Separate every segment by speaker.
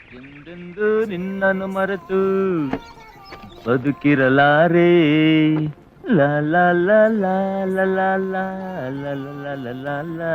Speaker 1: ಎಂದೆಂದು ನಿನ್ನನ್ನು ಮರೆತು ಬದುಕಿರಲಾರೆ. ಲಾ ಲಾ ಲಾ ಲಾ ಲಾ ಲಾ ಲಾ ಲಾ ಲಾ ಲಾ ಲಾ ಲಾ.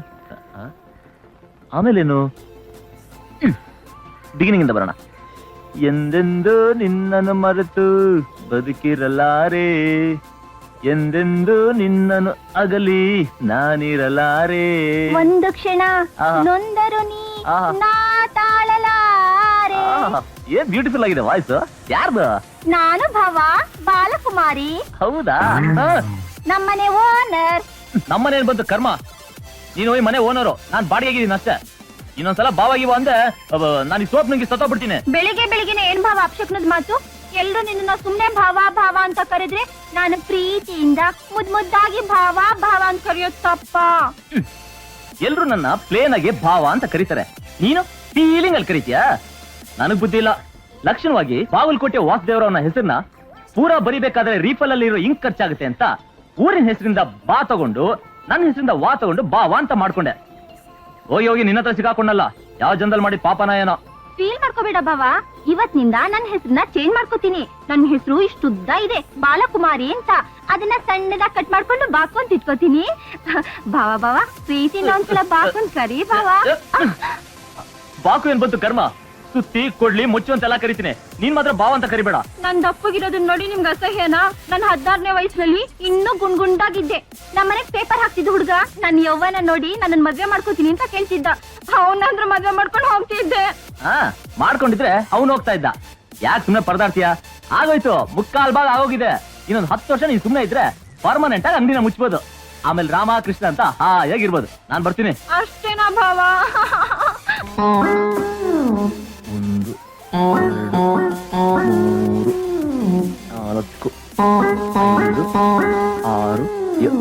Speaker 1: ಆಮೇಲೇನು? ಬಿಗಿನಿಂಗ್ ಇಂದ ಬರೋಣ. ಎಂದೆಂದು ನಿನ್ನನ್ನು ಮರೆತು ಬದುಕಿರಲಾರೆ, ಎಂದೆಂದು ನಿನ್ನನ್ನು ಅಗಲಿ ನಾನಿರಲಾರೆ.
Speaker 2: ಒಂದು ಕ್ಷಣ ನೊಂದರು ನೀ ನಾ ತಾಳಲಾರೆ.
Speaker 1: ಏನ್ ಬ್ಯೂಟಿಫುಲ್ ಆಗಿದೆ ವಾಯ್ಸ್. ಯಾರ್ದು?
Speaker 2: ನಾನು ಭವ ಬಾಲಕುಮಾರಿ.
Speaker 1: ಹೌದಾ?
Speaker 2: ನಮ್ಮನೆ ಓನರ್.
Speaker 1: ನಮ್ಮನೇನ್ ಬಂತು ಕರ್ಮ, ನೀನು ಹೋಗಿ ಮನೆ ಓನರು, ನಾನ್ ಬಾಡಿಗೆಗಿದ್ದೀನಿ ಅಷ್ಟೇ. ಇನ್ನೊಂದ್ಸಲ ಬಾವಾಗಿವ ಅಂದೆ ನಾನು ಈ ಸೋಪ್ ನಂಗೆ ಸತ್ತೋಗ್ಬಿಡ್ತೀನಿ.
Speaker 2: ಬೆಳಿಗ್ಗೆ ಬೆಳಿಗ್ಗೆನೆ ಏನ್ ಭಾವ ಅಪಶಕ್ನದ ಮಾತು. ಎಲ್ರು ನಿನ್ನ ಸುಮ್ನೆ ಭಾವ ಭಾವ ಅಂತ ಕರೆದ್ರೆ ನಾನು ಪ್ರೀತಿಯಿಂದ ಮುದ್ದಾಗಿ ಭಾವ ಭಾವ ಅಂತ ಕರೆಯೋದು ತಪ್ಪ.
Speaker 1: ಎಲ್ರು ನನ್ನ ಪ್ಲೇನ್ ಆಗಿ ಭಾವ ಅಂತ ಕರೀತಾರೆ, ನೀನು ಫೀಲಿಂಗ್ ಅಲ್ಲಿ ಕರೀತೀಯಾ? ನನಗ್ ಬುದ್ಧಿ ಇಲ್ಲ. ಲಕ್ಷಣವಾಗಿ ಬಾಗಲಕೋಟೆ ವಾಸುದೇವರವನ ಹೆಸರನ್ನ ಪೂರಾ ಬರಿಬೇಕಾದ್ರೆ ರೀಫಲ್ ಅಲ್ಲಿ ಇರೋ ಇಂಕ್ ಖರ್ಚಾಗುತ್ತೆ ಅಂತ ಊರಿನ ಹೆಸರಿಂದ ಬಾ ತಗೊಂಡು ನನ್ನ ಹೆಸರಿಂದ ವಾ ತಗೊಂಡು ಬಾವ ಅಂತ ಮಾಡ್ಕೊಂಡೆ. ಹೋಗಿ ಹೋಗಿ ನಿನ್ನ ಹತ್ರ ಸಿಗಾಕೊಂಡಲ್ಲ, ಯಾವ ಜನದಲ್ಲಿ ಮಾಡಿದ ಪಾಪನ ಏನೋ.
Speaker 2: ಫೀಲ್ ಮಾಡ್ಕೋಬೇಡ ಭಾವ, ಇವತ್ತಿನಿಂದ ನನ್ನ ಹೆಸರನ್ನ ಚೇಂಜ್ ಮಾಡ್ಕೋತೀನಿ. ನನ್ನ ಹೆಸರು ಇಷ್ಟುದ್ದ ಇದೆ, ಬಾಲಕುಮಾರಿ ಅಂತ. ಅದನ್ನ ಸಣ್ಣದಾಗ ಕಟ್ ಮಾಡ್ಕೊಂಡು ಬಾಕೊಂತ ಇಟ್ಕೋತೀನಿ. ಭಾವ ಭಾವ ಪ್ರೀತಿನ ಒಂದ್ಸಲ ಬಾಕೊಂಡ್ ಕರಿ ಭಾವ.
Speaker 1: ಬಾಕು ಏನ್ ಬಂತು ಕರ್ಮ, ಸುತ್ತಿ ಕೊಡ್ಲಿ ಮುಚ್ಚು ಅಂತೆಲ್ಲ ಕರಿತೀನಿ, ನೀನ್ ಮಾತ್ರ ಬಾವ ಅಂತ ಕರಿಬೇಡ.
Speaker 2: ನನ್ ದಪ್ಪಗಿರೋದನ್ನ ನೋಡಿ ನಿಮ್ಗೆ ಅಸಹ್ಯನಾ? ನನ್ನ 16ನೇ ವಯಸ್ಸಿನಲ್ಲಿ ಇನ್ನೂ ಗುಂಡ್ಗುಂಡಾಗಿದ್ದೆ. ನಮ್ಮನೆಗ್ ಪೇಪರ್ ಹಾಕ್ತಿದ್ದ ಹುಡುಗ ನನ್ ಯೌವನ ನೋಡಿ ನನ್ನ ಮದ್ವೆ ಮಾಡ್ಕೋತೀನಿ ಅಂತ ಕೇಳ್ತಿದ್ದ. ಅವನಂದ್ರ ಮದ್ವೆ ಮಾಡ್ಕೊಂಡು ಹೋಗ್ತಿದ್ದೆ.
Speaker 1: ಮಾಡ್ಕೊಂಡಿದ್ರೆ ಅವನು ಹೋಗ್ತಾ ಇದ್ದ. ಯಾಕೆ ಸುಮ್ನೆ ಪರದಾಡ್ತೀಯ? ಆಗೋಯ್ತು, ಮುಕ್ಕಾಲ್ ಭಾಗ ಆಗೋಗಿದೆ. ಇನ್ನೊಂದು 10 ವರ್ಷ ನೀನ್ ಸುಮ್ನೆ ಇದ್ರೆ ಪರ್ಮನೆಂಟ್ ಆಗಿ ಅಂಗಡಿನ ಮುಚ್ಬೋದು. ಆಮೇಲೆ ರಾಮ ಕೃಷ್ಣ ಅಂತ ಹೇಗಿರ್ಬೋದು. ನಾನ್ ಬರ್ತೀನಿ.
Speaker 2: ಅಷ್ಟೇನಾ ಭಾವ?
Speaker 1: 1 2 3 4 5 6 7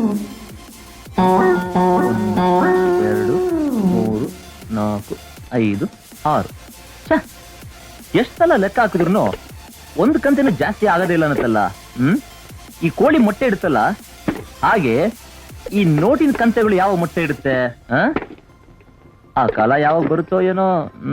Speaker 1: 1 2 3 4 5 6. ಎಷ್ಟು ಸಲ ಲೆಕ್ಕ ಹಾಕಿದ್ರು ಒಂದು ಕಂತಿನ ಜಾಸ್ತಿ ಆಗೋದೇ ಇಲ್ಲ ಅನ್ನತ್ತಲ್ಲ. ಈ ಕೋಳಿ ಮೊಟ್ಟೆ ಇಡುತ್ತಲ್ಲ, ಹಾಗೆ ಈ ನೋಟಿನ ಕಂತೆಗಳು ಯಾವ ಮೊಟ್ಟೆ ಇಡುತ್ತೆ? ಆ ಕಾಲ ಯಾವಾಗ ಬರುತ್ತೋ ಏನೋ.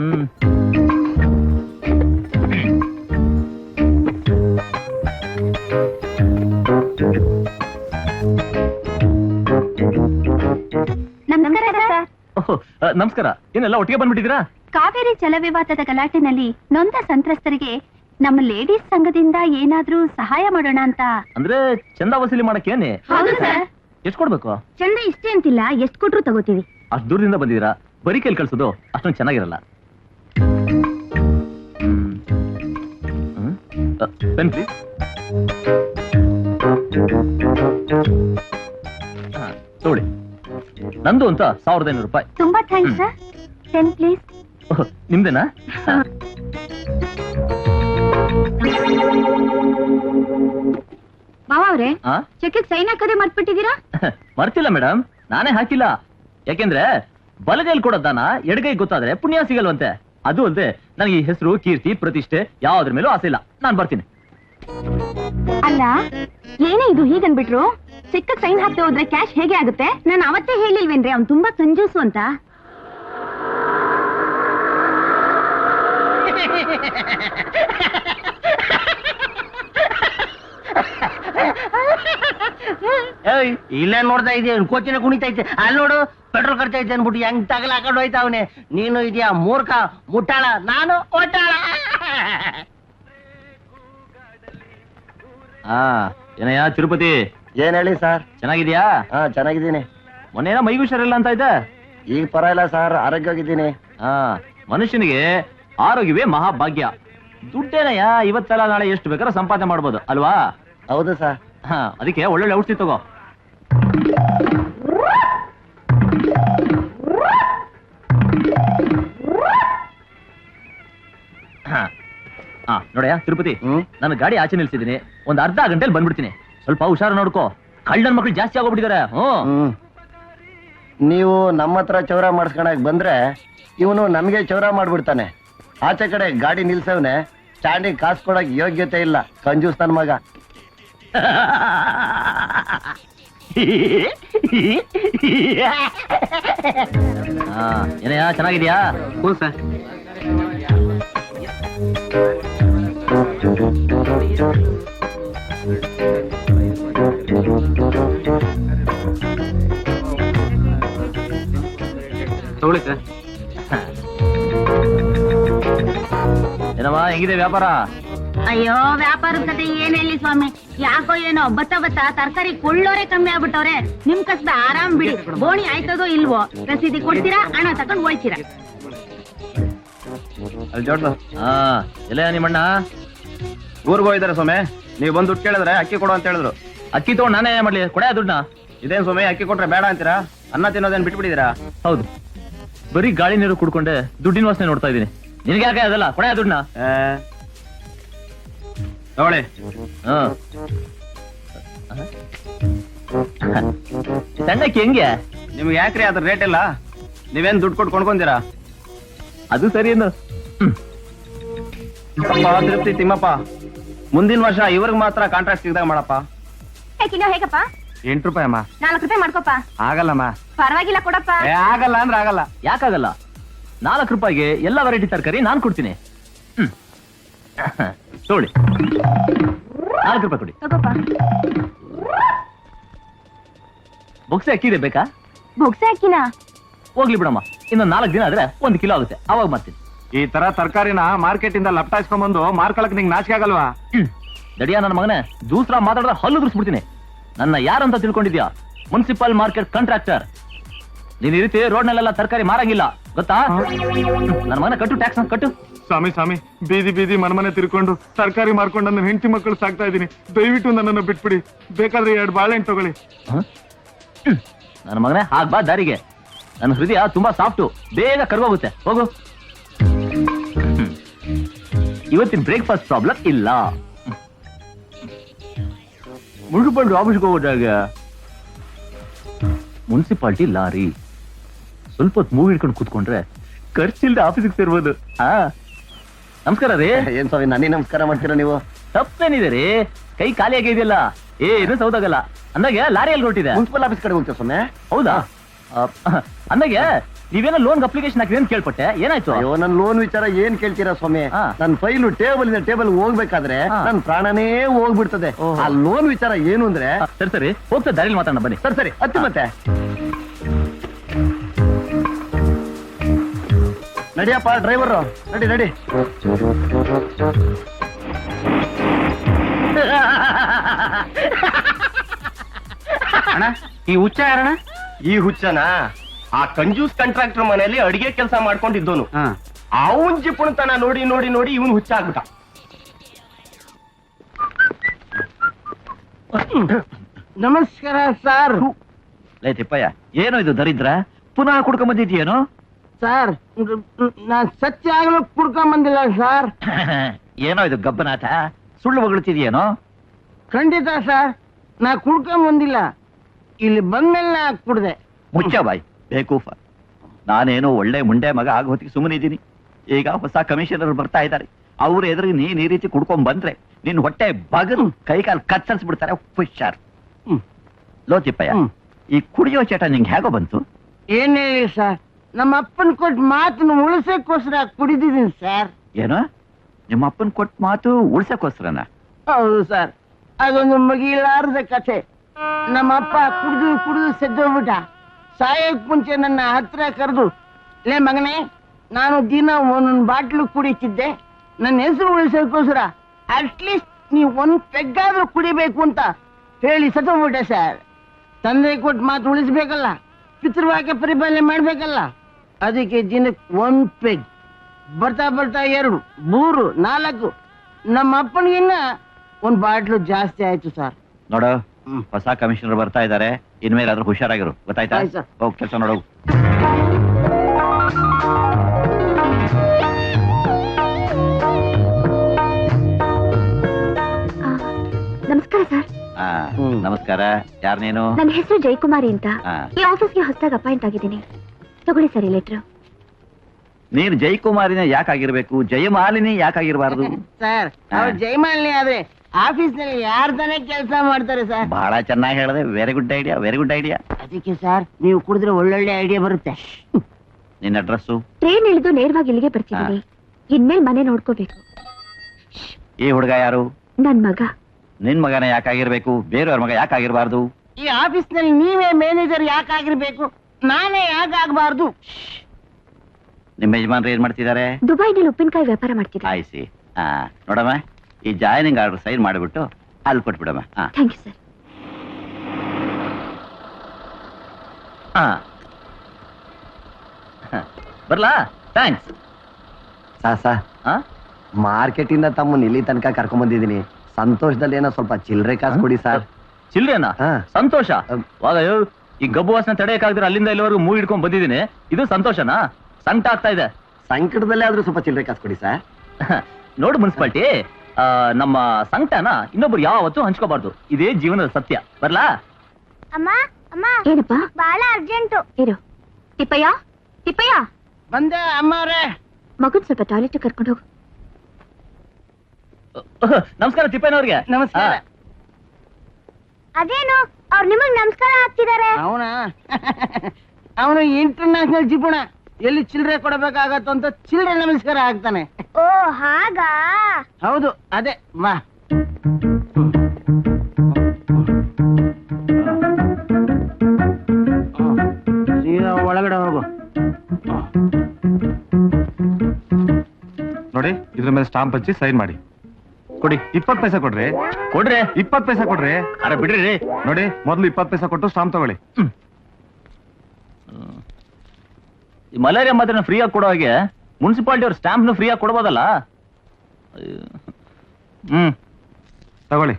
Speaker 1: ನಮಸ್ಕಾರ. ಏನೆಲ್ಲ ಒಟ್ಟಿಗೆ ಬಂದ್ಬಿಟ್ಟಿದ್ದೀರಾ?
Speaker 2: ಕಾವೇರಿ ಜಲವಿವಾದದ ಗಲಾಟೆನಲ್ಲಿ ನೊಂದ ಸಂತ್ರಸ್ತರಿಗೆ ನಮ್ಮ ಲೇಡೀಸ್ ಸಂಘದಿಂದ ಏನಾದ್ರೂ ಸಹಾಯ ಮಾಡೋಣ ಅಂತ.
Speaker 1: ಅಂದ್ರೆ ಚಂದ ವಸೂಲಿ ಮಾಡಕ್ಕೇನೆ?
Speaker 2: ಹೌದು ಸರ್.
Speaker 1: ಎಷ್ಟು ಕೊಡ್ಬೇಕು?
Speaker 2: ಚಂದ ಇಷ್ಟೇ ಅಂತಿಲ್ಲ, ಎಷ್ಟು ಕೊಟ್ರು ತಗೋತೀವಿ.
Speaker 1: ಅಷ್ಟು ದೂರದಿಂದ ಬಂದಿದ್ದೀರಾ, ಬರೀ ಕೈಲಿ ಕಳ್ಸೋದು ಅಷ್ಟೊಂದು ಚೆನ್ನಾಗಿರಲ್ಲ. Pen please. ತಗೊಳ್ಳಿ. ನಂದು ಅಂತ 1500 ರೂಪಾಯಿ.
Speaker 2: ತುಂಬಾ ಥ್ಯಾಂಕ್ಸ್ ಸರ್. Pen please.
Speaker 1: ನಿಮ್ದೇನಾ?
Speaker 2: ಮಾವ ಅವ್ರೆ, ಚೆಕ್ ಸೈನ್ ಹಾಕದೆ ಮರ್ತ್ಬಿಟ್ಟಿದ್ದೀರಾ?
Speaker 1: ಮರ್ತಿಲ್ಲ ಮೇಡಮ್, ನಾನೇ ಹಾಕಿಲ್ಲ. ಯಾಕೆಂದ್ರೆ ಬಲಗೈಲಿ ಕೊಡೋದಾನ ಎಡಗೈ ಗೊತ್ತಾದ್ರೆ ಪುಣ್ಯ ಸಿಗಲ್ವಂತೆ. ಅದು ಅಲ್ಲದೆ ನನಗೆ ಈ ಹೆಸರು, ಕೀರ್ತಿ, ಪ್ರತಿಷ್ಠೆ ಯಾವ್ದ್ರ ಮೇಲೂ ಆಸೆ ಇಲ್ಲ. ನಾನ್ ಬರ್ತೀನಿ.
Speaker 2: ಅಲ್ಲ, ಏನೇ ಇದು ಹೀಗನ್ಬಿಟ್ರು? ಚೆಕ್ ಸೈನ್ ಹಾಕ್ತಾ ಹೋದ್ರೆ ಕ್ಯಾಶ್ ಹೇಗೆ ಆಗುತ್ತೆ? ನಾನು ಅವತ್ತೇ ಹೇಳಿಲ್ವೇನ್ರಿ ಅವ್ನು ತುಂಬಾ ಕಂಜೂಸು ಅಂತ.
Speaker 3: ಇಲ್ಲ ನೋಡ್ತಾ ಇದೆಯಾ, ಕೋಚಿನ ಕುಣಿತೈತೆ. ಅಲ್ಲಿ ನೋಡು, ಪೆಟ್ರೋಲ್ ಖರ್ಚು ಐತೆ ಅನ್ಬಿಟ್ಟು ಹೆಂಗ್ ತಗಲ ಹಾಕೊಂಡು ಹೋಯ್ತಾವನೆ. ನೀನು ಇದೆಯಾ ಮೂರ್ಖ ಮುಟ್ಟಾಳ, ನಾನು ಒಟ್ಟಾಳ.
Speaker 1: ಏನಯ್ಯ ತಿರುಪತಿ?
Speaker 3: ಏನ್ ಹೇಳಿ ಸರ್?
Speaker 1: ಚೆನ್ನಾಗಿದ್ಯಾ?
Speaker 3: ಚೆನ್ನಾಗಿದ್ದೀನಿ.
Speaker 1: ಮೊನ್ನೇನ ಮೈಗೂ ಹುಷಾರಿಲ್ಲ ಅಂತ ಇದ್ದ?
Speaker 3: ಈಗ ಪರವಾಗಿಲ್ಲ ಸರ್, ಆರೋಗ್ಯವಾಗಿದ್ದೀನಿ.
Speaker 1: ಮನುಷ್ಯನಿಗೆ ಆರೋಗ್ಯವೇ ಮಹಾಭಾಗ್ಯ. ದುಡ್ಡೇನಯ್ಯ ಇವತ್ತೆಲ್ಲ ನಾಳೆ ಎಷ್ಟು ಬೇಕಾದ್ರೂ ಸಂಪಾದನೆ ಮಾಡ್ಬೋದು ಅಲ್ವಾ?
Speaker 3: ಹೌದು ಸರ್.
Speaker 1: ಅದಕ್ಕೆ ಒಳ್ಳೊಳ್ಳೆ ಔಷಧಿ ತಗೋ. ನೋಡಯ್ಯ ತಿರುಪತಿ, ನನ್ನ ಗಾಡಿ ಆಚೆ ನಿಲ್ಸಿದ್ದೀನಿ. ಒಂದ್ ಅರ್ಧ ಗಂಟೆಲಿ ಬಂದ್ಬಿಡ್ತೀನಿ. ಸ್ವಲ್ಪ ಹುಷಾರು ನೋಡ್ಕೋ, ಕಳ್ಳನ ಮಕ್ಳು ಜಾಸ್ತಿ ಆಗೋಗ್ಬಿಟ್ಟಿದ್ದಾರೆ.
Speaker 3: ನೀವು ನಮ್ಮ ಹತ್ರ ಚೌರ ಮಾಡಿಸ್ಕೊಳಕ್ ಬಂದ್ರೆ ಇವನು ನಮಗೆ ಚೌರ ಮಾಡ್ಬಿಡ್ತಾನೆ. ಆಚೆ ಕಡೆ ಗಾಡಿ ನಿಲ್ಸವ್ನೆ, ಸ್ಟ್ಯಾಂಡಿಂಗ್ ಕಾಸು ಕೊಡಕ್ ಯೋಗ್ಯತೆ ಇಲ್ಲ, ಕಂಜೂಸ್ ನನ್ ಮಗ.
Speaker 1: ಏನಯ್ಯ ಚೆನ್ನಾಗಿದ್ಯಾ?
Speaker 3: ಹ್ಞೂ ಸರ್.
Speaker 1: ತಗೊಳ್ಳಿ ಸರ್. ಏನಮ್ಮ ಹೆಂಗಿದೆ ವ್ಯಾಪಾರ?
Speaker 2: ಅಯ್ಯೋ ವ್ಯಾಪಾರದ ಕತೆ ಏನ್ ಹೇಳಿ ಸ್ವಾಮಿ, ಯಾಕೋ ಏನೋ ಬತ್ತ ತರಕಾರಿ ಕೊಳ್ಳೋರೆ ಕಮ್ಮಿ ಆಗ್ಬಿಟ್ಟವ್ರೆ. ನಿಮ್ ಕಸ್ಬ ಆರಾಮ್ ಬಿಡಿ, ಬೋಣಿ ಆಯ್ತದೋ ಇಲ್ವೋ, ರಸೀದಿ ಕೊಡ್ತೀರಾ, ಹಣ ತಕೊಂಡ್ ಹೋಯ್ತೀರಾ.
Speaker 1: ಅಲ್ಲಿ ಜೋಡ್ಲು. ಎಲ್ಲ ನಿಮ್ಮಣ್ಣ
Speaker 4: ಊರ್ಗ್ ಹೋಗಿದಾರೆ ಸೊಮೆ. ನೀವು ಬಂದು ದುಡ್ಡು ಕೇಳಿದ್ರೆ ಅಕ್ಕಿ ಕೊಡು ಅಂತ ಹೇಳಿದ್ರು.
Speaker 1: ಅಕ್ಕಿ ತಗೊಂಡು ನಾನೇ ಮಾಡ್ಲಿ, ಕೊಡ ದುಡ್ಡನ್ನ.
Speaker 4: ಇದೇನ್ ಸೊಮೆ, ಅಕ್ಕಿ ಕೊಟ್ರೆ ಬೇಡ ಅಂತೀರಾ? ಅನ್ನ ತಿನ್ನೋದೇನ್ ಬಿಟ್ಬಿಟ್ಟಿದ್ದೀರಾ?
Speaker 1: ಹೌದು, ಬರೀ ಗಾಳಿ ನೀರು ಕುಡ್ಕೊಂಡೆ ದುಡ್ಡಿನ ವಾಸನೆ ನೋಡ್ತಾ ಇದೀನಿ. ನಿನ್ಗೆ ಯಾಕೆ ಅದಲ್ಲ, ಕೊಡ ದುಡ್ಡನ್ನ.
Speaker 4: ತಗೊಳ್ಳಿ.
Speaker 1: ಸಣ್ಣಕ್ಕೆ ಹೆಂಗೆ?
Speaker 4: ನಿಮ್ಗೆ ಯಾಕ್ರಿ ಅದ್ರ ರೇಟ್ ಇಲ್ಲ? ನೀವೇನ್ ದುಡ್ಡು ಕೊಟ್ಟು ಕೊಂಡ್ಕೊಂತೀರಾ?
Speaker 1: ಅದು ಸರಿ ಏನು.
Speaker 4: ತಿರುಪ್ತಿ ತಿಮ್ಮಪ್ಪ, ಮುಂದಿನ ವರ್ಷ ಇವ್ರಿಗೆ ಮಾತ್ರ ಕಾಂಟ್ರಾಕ್ಟ್ ಸಿಗ್ದಾಗ ಮಾಡಪ್ಪ.
Speaker 2: ಕಿಲೋ ಹೇಗಪ್ಪ?
Speaker 4: 8 ರೂಪಾಯಿ ಅಮ್ಮ.
Speaker 2: 4 ರೂಪಾಯಿ ಮಾಡ್ಕೊಪ್ಪ.
Speaker 4: ಆಗಲ್ಲಮ್ಮ.
Speaker 2: ಪರವಾಗಿಲ್ಲ ಕೊಡಪ್ಪ.
Speaker 4: ಆಗಲ್ಲ ಅಂದ್ರೆ ಆಗಲ್ಲ.
Speaker 1: ಯಾಕಾಗಲ್ಲ? 4 ರೂಪಾಯಿಗೆ ಎಲ್ಲ ವೆರೈಟಿ ತರಕಾರಿ ನಾನ್ ಕೊಡ್ತೀನಿ. ತಗೊಳ್ಳಿ, 4 ರೂಪಾಯಿ ಕೊಡಿ.
Speaker 2: ತಗೋಪ್ಪ.
Speaker 1: ಬೊಕ್ಸೆ ಅಕ್ಕಿದೆ ಬೇಕಾ?
Speaker 2: ಬೊಗ್ಸೆ ಅಕ್ಕಿನ?
Speaker 1: ಹೋಗ್ಲಿ ಬಿಡಮ್ಮ, ಇನ್ನೊಂದು 4 ದಿನ ಆದ್ರೆ 1 ಕಿಲೋ ಆಗುತ್ತೆ, ಅವಾಗ ಮಾಡ್ತೀನಿ.
Speaker 4: ಈ ತರ ತರಕಾರಿನ ಮಾರ್ಕೆಟ್ ಇಂದ ಲಪ್ಟಾಯಿಸ್ಕೊಂಡ್ ಬಂದು ಮಾರ್ಕೊಳಕ್ ನಿಂಗೆ ನಾಚಿಕೆ ಆಗಲ್ವಾ?
Speaker 1: ದಡಿಯಾ ನನ್ನ ಮಗನೇ, ದೂಸರ ಮಾತಾಡಿದ್ರೆ ಹಲ್ಲು ದುರ್ಸ್ಬಿಡ್ತೀನಿ. ನನ್ನ ಯಾರಂತ ತಿಳ್ಕೊಂಡಿದ್ಯಾ? Municipal market contractor. ನೀನ್ ಈ ರೀತಿ ರೋಡ್ನಲ್ಲೆಲ್ಲ ತರಕಾರಿ ಮಾರಂಗಿಲ್ಲ, ಗೊತ್ತಾ? ನನ್ನ ಮಗನ ಕಟ್ಟು, ಟ್ಯಾಕ್ಸ್ ಕಟ್ಟು.
Speaker 5: ಸ್ವಾಮಿ ಬೀದಿ ಮನೆ ತಿರ್ಕೊಂಡು ತರಕಾರಿ ಮಾರ್ಕೊಂಡು ನನ್ನ ಹೆಂಡತಿ ಮಕ್ಕಳು ಸಾಕ್ತಾ ಇದ್ದೀನಿ. ದಯವಿಟ್ಟು ನನ್ನನ್ನು ಬಿಟ್ಬಿಡಿ. ಬೇಕಾದ್ರೆ 2 ಬಾಳೆಹಣ್ಣು ತಗೊಳ್ಳಿ.
Speaker 1: ನನ್ನ ಮಗನೇ, ಬಾ ದಾರಿಗೆ. ನನ್ನ ಹೃದಯ ತುಂಬಾ ಸಾಫ್ಟು, ಬೇಗ ಕರ್ಗೋಗುತ್ತೆ. ಹೋಗು. ಇವತ್ತಿನ ಬ್ರೇಕ್ಫಾಸ್ಟ್ ಪ್ರಾಬ್ಲಮ್ ಇಲ್ಲ. ಮುಳುಗುಬಂಡು ಆಫೀಸ್ಗೆ ಹೋದಾಗ ಮುನ್ಸಿಪಾಲ್ಟಿ ಲಾರಿ ಸ್ವಲ್ಪ ಹೊತ್ತು ಮೂವಿ ಹಿಡ್ಕೊಂಡು ಕೂತ್ಕೊಂಡ್ರೆ ಖರ್ಚಿಲ್ದೆ ಆಫೀಸಿಗೆ ಸೇರ್ಬೋದು. ನಮಸ್ಕಾರ ರೀ.
Speaker 3: ಏನ್ ಸ್ವಾಮಿ, ನನಗೆ ನಮಸ್ಕಾರ ಮಾಡ್ತೀರಾ ನೀವು?
Speaker 1: ತಪ್ಪೇನಿದೆ ರೀ, ಕೈ ಖಾಲಿ ಆಗಿದೆಯಲ್ಲ, ಏನು ಸೌದಾಗಲ್ಲ. ಅಂದಾಗೆ ಲಾರಿಯಲ್ಲಿ ಹೊರಟಿದೆ.
Speaker 3: ಮುನ್ಸಿಪಲ್ ಆಫೀಸ್ ಕಡೆ ಹೋಗ್ತೇವೆ ಸ್ವಾಮಿ.
Speaker 1: ಹೌದಾ? ಅಂದಾಗೆ ನೀವೇನೋ ಲೋನ್ ಅಪ್ಲಿಕೇಶನ್ ಹಾಕಿದ್ರೆ ಅಂತ ಕೇಳ್ಪಟ್ಟೆ, ಏನಾಯ್ತು?
Speaker 3: ಅಯ್ಯೋ, ನನ್ ಲೋನ್ ವಿಚಾರ ಏನ್ ಕೇಳ್ತೀರಾ ಸ್ವಾಮಿ? ನನ್ ಫೈಲು ಟೇಬಲ್ ಇಂದ ಟೇಬಲ್ ಹೋಗ್ಬೇಕಾದ್ರೆ ನನ್ ಪ್ರಾಣನೇ ಹೋಗ್ಬಿಡ್ತದೆ. ಆ ಲೋನ್ ವಿಚಾರ ಏನು ಅಂದ್ರೆ.
Speaker 1: ಸರಿ ಹೋಗ್ತಾ ದಾರಿಲಿ ಮಾತಾಡೋಣ ಬನ್ನಿ.
Speaker 3: ಸರಿ ಹತ್ತಿ ಮತ್ತೆ ನಡಿಯಪ್ಪ ಡ್ರೈವರ್, ನಡಿ.
Speaker 4: ಅಣ್ಣ, ಈ ಹುಚ್ಚ ಯಾರಣ್ಣ?
Speaker 3: ಈ ಹುಚ್ಚನ ಆ ಕಂಜೂಸ್ ಕಾಂಟ್ರಾಕ್ಟರ್ ಮನೆಯಲ್ಲಿ ಅಡಿಗೆ ಕೆಲಸ ಮಾಡ್ಕೊಂಡಿದ್ದೋನು. ಅವನ್ ಜಿಪುಣತನ ನೋಡಿ ಇವನ್ ಹುಚ್ಚ ಆಗ್ಬಿಟ್ಟ. ನಮಸ್ಕಾರ ಸರ್.
Speaker 1: ಲೇ ತಿಪ್ಪಯ್ಯ, ಏನೋ ಇದು ದರಿದ್ರ? ಪುನಃ ಕುಡ್ಕೊಂಡ್ ಬಂದಿದ್ಯೇನೋ?
Speaker 3: ಸರ್, ನಾನ್ ಸತ್ಯ ಆಗಲು ಕುಡ್ಕೊಂಡ್ ಬಂದಿಲ್ಲ ಸರ್.
Speaker 1: ಏನೋ ಇದು ಗಬ್ಬನಾಟ, ಸುಳ್ಳು ಹೊಗಳ್ತಿದ್ಯೇನೋ?
Speaker 3: ಖಂಡಿತ ಸರ್, ನಾ ಕುಡ್ಕೊಂಡ್ ಬಂದಿಲ್ಲ. ಇಲ್ಲಿ ಬಂದ್ಮೇಲೆ ನಾ ಕುಡ್ದೆ.
Speaker 1: ಮುಚ್ಚ ಬಾಯ್, ಬೇಕೂಫ. ನಾನೇನೋ ಒಳ್ಳೆ ಮುಂಡೆ ಮಗ ಆಗ ಹೊತ್ತಿಗೆ ಸುಮ್ಮನಿದ್ದೀನಿ. ಈಗ ಹೊಸ ಕಮಿಷನರ್ ಬರ್ತಾ ಇದ್ದಾರೆ. ಅವ್ರ ಎದುರಿಗೆ ನೀನ್ ಈ ರೀತಿ ಕುಡ್ಕೊಂಡ್ ಬಂದ್ರೆ ನಿನ್ ಹೊಟ್ಟೆ ಬಗದು ಕೈಕಾಲು ಕತ್ತರಿಸ್ಬಿಡ್ತಾರೆ. ಹುಷಾರ್. ಲೋ ತಿಪ್ಪಯ್ಯ, ಈ ಕುಡಿಯೋ ಚಟ ನಿಂಗೆ ಹೇಗೋ ಬಂತು?
Speaker 3: ಏನ್ ಹೇಳಿ ಸರ್, ನಮ್ಮ ಅಪ್ಪನ್ ಕೊಟ್ಟು ಮಾತನ್ನು ಉಳಿಸಕ್ಕೋಸ್ಕರ ಕುಡಿದಿದ್ದೀನಿ ಸರ್.
Speaker 1: ಏನೋ ನಿಮ್ಮ ಅಪ್ಪನ್ ಕೊಟ್ಟ ಮಾತು ಉಳ್ಸಕ್ಕೋಸ್ಕರನ?
Speaker 3: ಹೌದು ಸರ್, ಅದೊಂದು ಮುಗಿಲಾರದ ಕಥೆ. ನಮ್ಮ ಅಪ್ಪ ಕುಡಿದು ಸೆದ್ದೋಗ್ಬಿಟ್ಟ. ಸಾಯಕ್ ಮುಂಚೆ ನನ್ನ ಹತ್ರ ಕರೆದು, ಲೇ ಮಗನೇ, ನಾನು ದಿನ ಒಂದೊಂದು ಬಾಟ್ಲು ಕುಡಿತಿದ್ದೆ, ನನ್ನ ಹೆಸರು ಉಳಿಸೋಕ್ಕೋಸ್ಕರ ಅಟ್ಲೀಸ್ಟ್ ನೀವು 1 ಪೆಗ್ಗಾದ್ರೂ ಕುಡಿಬೇಕು ಅಂತ ಹೇಳಿ ಸತ್ತೋಗ್ಬಿಟ್ಟೆ ಸರ್. ತಂದೆ ಕೊಟ್ಟು ಮಾತು ಉಳಿಸ್ಬೇಕಲ್ಲ, ಪಿತೃವಾಕ್ಯ ಪರಿಪಾಲನೆ ಮಾಡ್ಬೇಕಲ್ಲ. ಅದಕ್ಕೆ ದಿನಕ್ಕೆ 1 ಪೆಗ್, ಬರ್ತಾ 2, 3, 4, ನಮ್ಮ ಅಪ್ಪನಿಗಿನ್ನ 1 ಬಾಟ್ಲು ಜಾಸ್ತಿ ಆಯ್ತು ಸರ್.
Speaker 1: ನೋಡು, ಹೊಸ ಕಮಿಷನರ್ ಬರ್ತಾ ಇದ್ದಾರೆ. ಇನ್ಮೇಲಾದ್ರೂ ಹುಷಾರಾಗಿರು, ಗೊತ್ತಾಯ್ತಾ?
Speaker 3: ಆಯ್ತು ಸರ್.
Speaker 1: ಹೋಗ್ ಕೆಲಸ ನೋಡು.
Speaker 2: ನಮಸ್ಕಾರ ಸರ್.
Speaker 1: ನಮಸ್ಕಾರ. ಯಾರ್ ನೀನು?
Speaker 2: ನನ್ನ ಹೆಸರು ಜಯಕುಮಾರಿ ಅಂತ.
Speaker 1: ಆ.
Speaker 2: ಈ ಆಫೀಸ್ಗೆ ಹೊಸದಾಗಿ ಅಪಾಯಿಂಟ್ ಆಗಿದ್ದೀನಿ. ತಗೊಳ್ಳಿ ಸರ್ ಈ ಲೆಟ್ರು.
Speaker 1: ನೀನು ಜಯಕುಮಾರಿನ ಯಾಕಾಗಿರ್ಬೇಕು, ಜಯಮಾಲಿನಿ ಯಾಕಾಗಿರ್ಬಾರ್ದು?
Speaker 3: ಸರ್, ಅವ್ರು ಜಯಮಾಲಿನಿ ಆದ್ರೆ ಆಫೀಸ್ ನಲ್ಲಿ ಯಾರ್ ತಾನೇ ಕೆಲಸ ಮಾಡ್ತಾರೆ ಸರ್?
Speaker 1: ಬಹಳ ಚೆನ್ನಾಗಿ ಹೇಳಿದೆ. Very good idea, very good idea.
Speaker 3: ಅದಕ್ಕೆ ಸರ್, ನೀವು ಕುಡಿದ್ರೆ ಒಳ್ಳೊಳ್ಳೆ ಐಡಿಯಾ ಬರುತ್ತೆ.
Speaker 1: ನಿನ್ನ ಅಡ್ರೆಸ್ಸು?
Speaker 2: ಟ್ರೈನ್ ಇಳಿದು ನೇರವಾಗಿ ಇಲ್ಲಿಗೆ ಬರ್ತಿದ್ದೀನಿ. ಇನ್ಮೇಲೆ ಮನೆ ನೋಡ್ಕೋಬೇಕು.
Speaker 1: ಈ ಹುಡುಗ ಯಾರು?
Speaker 2: ನನ್ ಮಗ.
Speaker 4: ನಿನ್ ಮಗನ ಯಾಕಾಗಿರ್ಬೇಕು, ಬೇರೆಯವ್ರ ಮಗ ಯಾಕಾಗಿರ್ಬಾರ್ದು?
Speaker 3: ಈ ಆಫೀಸ್ನಲ್ಲಿ ನೀವೇ ಮ್ಯಾನೇಜರ್ ಯಾಕಾಗಿರ್ಬೇಕು, ನಾನೇ ಯಾಕಾಗಬಾರ್ದು?
Speaker 4: ನಿಮ್ಮ ಯಜಮಾನ್ರು ಏನ್ ಮಾಡ್ತಿದ್ದಾರೆ?
Speaker 2: ದುಬೈನಲ್ಲಿ ಉಪ್ಪಿನಕಾಯಿ ವ್ಯಾಪಾರ ಮಾಡ್ತಿದ್ದೆ.
Speaker 4: ಆಯ್ಸಿ. ನೋಡಮ್ಮ, ಈ ಜಾಯ್ನಿಂಗ್ ಆರ್ಡರ್ ಸೈನ್ ಮಾಡಿಬಿಟ್ಟು ಅಲ್ಲಿ ಕೊಟ್ಬಿಡಮ್ಮ.
Speaker 2: Thank you sir.
Speaker 1: ಬರ್ಲಾ? ಥ್ಯಾಂಕ್ಸ್.
Speaker 6: ಮಾರ್ಕೆಟ್ ಇಂದ ತಮ್ಮನ್ನ ಇಲ್ಲಿ ತನಕ ಕರ್ಕೊಂಡ್ ಬಂದಿದ್ದೀನಿ. ಸಂತೋಷದಲ್ಲಿ ಏನೋ ಸ್ವಲ್ಪ ಚಿಲ್ಲರೆ ಕಾಸು ಕೊಡಿ ಸರ್.
Speaker 1: ಚಿಲ್ಡ್ರೇನಾ?
Speaker 6: ಹಾ.
Speaker 1: ಸಂತೋಷ. ವಾಗಯ್ಯೋ, ಈ ಗಬ್ಬು ವಾಸನೆ ತಡೆಯಕ್ಕಾಗ್ದಿರ ಅಲ್ಲಿಂದ ಇಲ್ಲಿವರೆಗೂ ಮೂವ್ ಹಿಡ್ಕೊಂಡ್ ಬಂದಿದ್ದೀನಿ. ಇದು ಸಂತೋಷನಾ? ಸಂಕಟ ಆಗ್ತಾ ಇದೆ.
Speaker 6: ಸಂಕಟದಲ್ಲೇ ಆದ್ರೂ ಸ್ವಲ್ಪ ಚಿಲ್ಲರೆ ಕಾಸು ಕೊಡಿ ಸರ್.
Speaker 1: ನೋಡು ಮುನ್ಸಿಪಾಲ್ಟಿ, ನಮ್ಮ ಸಂಕಟನ ಇನ್ನೊಬ್ರು ಯಾವತ್ತೂ ಹಂಚ್ಕೋಬಾರ್ದು. ಇದೇ ಜೀವನದ ಸತ್ಯ. ಬರ್ಲಾ?
Speaker 2: ಅಮ್ಮ ಅಮ್ಮ, ಏನಪ್ಪ? ಬಹಳ ಅರ್ಜೆಂಟು. ಇರು. ತಿಪ್ಪಯ್ಯ, ತಿಪ್ಪಯ್ಯ.
Speaker 3: ಬಂದೆ ಅಮ್ಮವ್ರೆ.
Speaker 2: ಮಗನ್ ಸ್ವಲ್ಪ ಟಾಯ್ಲೆಟ್ ಕರ್ಕೊಂಡು ಹೋಗು.
Speaker 1: ನಮಸ್ಕಾರ ತಿಪ್ಪಯ್ಯನವ್ರಿಗೆ.
Speaker 3: ನಮಸ್ಕಾರ.
Speaker 2: ಅದೇನು ಅವ್ರು ನಿಮಗ್ ನಮಸ್ಕಾರ ಹಾಕ್ತಿದ್ದಾರೆ?
Speaker 3: ಅವನು ಇಂಟರ್ನ್ಯಾಷನಲ್ ಜಿಪುಣ, ಎಲ್ಲಿ ಚಿಲ್ಲರೆ ಕೊಡಬೇಕಾಗತ್ತೋ ಅಂತ ಚಿಲ್ಲರೆ ನಮಸ್ಕಾರ ಆಗ್ತಾನೆ.
Speaker 2: ಓ ಹಾಗಾ?
Speaker 3: ಹೌದು, ಅದೇ. ಬಾ. ಸೀದಾ ಒಳಗಡೆ ಹೋಗು.
Speaker 5: ನೋಡಿ, ಇದ್ರ ಮೇಲೆ ಸ್ಟಾಂಪ್ ಹಚ್ಚಿ ಸೈನ್ ಮಾಡಿ ಕೊಡಿ. 20 ಪೈಸೆ ಕೊಡ್ರಿ.
Speaker 1: ಕೊಡ್ರಿ.
Speaker 5: 20 ಪೈಸೆ ಕೊಡ್ರಿ.
Speaker 1: ಅರೆ ಬಿಡ್ರಿ.
Speaker 5: ನೋಡಿ, ಮೊದಲು 20 ಪೈಸೆ ಕೊಟ್ಟು ಸ್ಟಾಂಪ್ ತಗೊಳ್ಳಿ.
Speaker 1: ಈ ಮಲೇರಿಯಾ ಮಾತ್ರ ಫ್ರೀ ಆಗಿ ಕೊಡೋ ಹಾಗೆ ಮುನ್ಸಿಪಾಲಿಟಿ ಅವ್ರ ಸ್ಟಾಂಪ್ ಫ್ರೀ ಆಗಿ ಕೊಡ್ಬೋದಲ್ಲ?
Speaker 5: ತಗೊಳ್ಳಿ.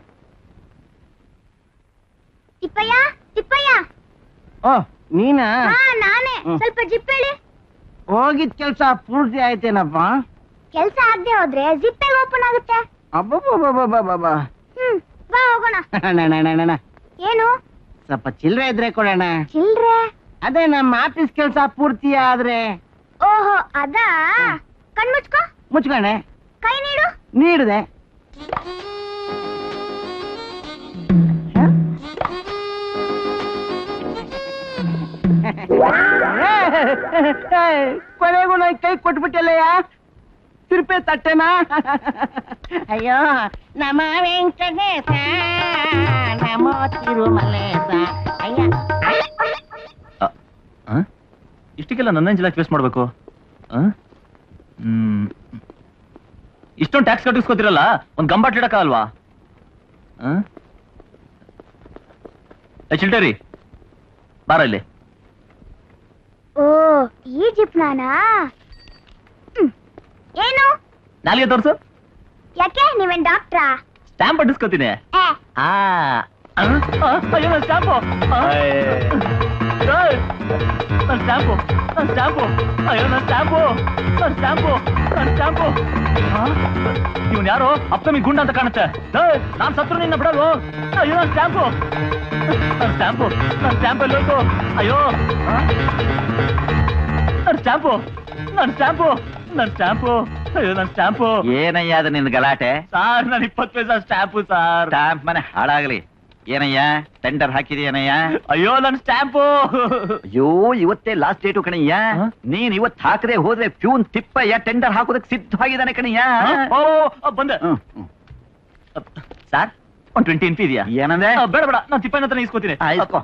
Speaker 2: ತಿಪ್ಪಯ್ಯ, ತಿಪ್ಪಯ್ಯ.
Speaker 3: ಓ, ನೀನಾ?
Speaker 2: ನಾನೇ. ಸ್ವಲ್ಪ ಜಿಪ್ ಹೇಳಿ.
Speaker 3: ಹೋಗಿದ್ ಕೆಲ್ಸ ಪೂರ್ತಿ ಆಯ್ತೇನಪ್ಪ?
Speaker 2: ಕೆಲ್ಸ ಆಗದೆ ಹೋದ್ರೆ ಜಿಪ್ ಓಪನ್ ಆಗುತ್ತೆ.
Speaker 3: ಅಬ್ಬಬ್ಬಬ್ಬಬ್ಬಬ್ಬ.
Speaker 2: ಬಾ ಹೋಗೋಣ.
Speaker 3: ಅಣ್ಣ,
Speaker 2: ಏನು?
Speaker 3: ಸ್ವಲ್ಪ ಚಿಲ್ಲರೆ ಇದ್ರೆ ಕೊಡೋಣ.
Speaker 2: ಚಿಲ್ರೆ?
Speaker 3: ಅದೇ ನಮ್ಮ ಆಫೀಸ್ ಕೆಲ್ಸ ಪೂರ್ತಿ ಆದ್ರೆ.
Speaker 2: ಓಹೋ, ಅದಾ? ಕಣ್ಮುಚ್ಕೋ.
Speaker 3: ಮುಚ್ಕೊಂಡೆ.
Speaker 2: ಕೈ ನೀಡು.
Speaker 3: ನೀಡಿದೆ. ಕೊನೆಗೂ ನಾ ಕೈ ಕೊಟ್ಬಿಟ್ಟಲ್ಲಯ್ಯ. ತಿರುಪೆ ತಟ್ಟೆನಾ? ಅಯ್ಯೋ, ನಮ ವೆಂಕಟೇಶ ನಮೋ ತಿರುಮಲೇಶ. ಅಯ್ಯ,
Speaker 1: ಇಷ್ಟಕ್ಕೆಲ್ಲ ನನ್ನ ಜಿಲ್ಲಾ ಫೇಸ್ ಮಾಡ್ಬೇಕು? ಇಷ್ಟೊಂದು ಟ್ಯಾಕ್ಸ್ ಕಟ್ಟಿಸ್ಕೋತಿರಲ್ಲ, ಒಂದ್ ಗಂಬಾಟ್ ಇಡಕ್ಕಾಗಲ್ವಾ? ಚಿಲ್ಟರಿ ಬಾರ ಇಲ್ಲಿ.
Speaker 2: ಓ, ಈ ಜಿಪ್ ನಾನಾ? ಏನು?
Speaker 1: ನಾಲ್ಗೆ ತೋರ್ಸು.
Speaker 2: ಯಾಕೆ, ನೀವೇನ್ ಡಾಕ್ಟ್ರಾ?
Speaker 1: ಸ್ಟ್ಯಾಂಪ್ ಅಂಟಿಸ್ಕೋತೀನಿ. ಅಯ್ಯೋ, ನನ್ನ ಸ್ಟ್ಯಾಂಪು. ನನ್ನ ಸ್ಟ್ಯಾಂಪು, ನನ್ನ ಸ್ಟ್ಯಾಂಪು. ಅಯ್ಯೋ, ನನ್ನ ಸ್ಟ್ಯಾಂಪು, ನನ್ನ ಸ್ಟ್ಯಾಂಪು, ನನ್ನ ಸ್ಟ್ಯಾಂಪು. ಇವನ್ ಯಾರೋ ಅಪ್ಕಮಿಂಗ್ ಗುಂಡ ಅಂತ ಕಾಣುತ್ತೆ. ನಾನ್ ಸತ್ರು ನಿನ್ನ ಬಿಡೋದು. ಅಯ್ಯೋ, ನನ್ನ ಸ್ಟ್ಯಾಂಪು, ನನ್ನ ಸ್ಟ್ಯಾಂಪು, ನನ್ನ ಸ್ಟ್ಯಾಂಪ್ ಎಲ್ಲಿ ಹೋಯ್ತು? ಅಯ್ಯೋ, ನನ್ನ ಸ್ಟ್ಯಾಂಪು, ನನ್ನ ಸ್ಟ್ಯಾಂಪು, ನನ್ನ ಸ್ಟ್ಯಾಂಪು. ಅಯ್ಯೋ, ನನ್ನ ಸ್ಟ್ಯಾಂಪು.
Speaker 4: ಏನಯ್ಯ ಅದು ನಿನ್ ಗಲಾಟೆ?
Speaker 1: ಸಾರ್, ನಾನು 20 ಪೈಸಾ ಸ್ಟ್ಯಾಂಪು ಸಾರ್.
Speaker 4: ಸ್ಟಾಂಪ್ ಮನೆ ಹಾಳಾಗ್ಲಿ. ಏನಯ್ಯ, ಟೆಂಡರ್ ಹಾಕಿದೀನಯ್ಯ?
Speaker 1: ಅಯ್ಯೋ, ನನ್ನ ಸ್ಟ್ಯಾಂಪು.
Speaker 4: ಅಯ್ಯೋ, ಇವತ್ತೇ ಲಾಸ್ಟ್ ಡೇಟು ಕಣಯ್ಯ. ನೀನ್ ಇವತ್ ಹಾಕದೆ ಹೋದ್ರೆ ಪ್ಯೂನ್ ತಿಪ್ಪಯ್ಯ ಟೆಂಡರ್ ಹಾಕೋದಕ್ಕೆ ಸಿದ್ಧವಾಗಿದ್ದಾನೆ ಕಣಯ್ಯ.
Speaker 1: ಬಂದೆ ಸಾರ್. 120 NP ಇದೆಯಾ?
Speaker 4: ಏನಂದ್ರೆ?
Speaker 1: ಬೇಡ ಬೇಡ, ನಾನು ತಿಪ್ಪಯ್ಯನ ಹತ್ರ ಇಸ್ಕೋತೀನಿ.
Speaker 4: ಆಯ್ತು.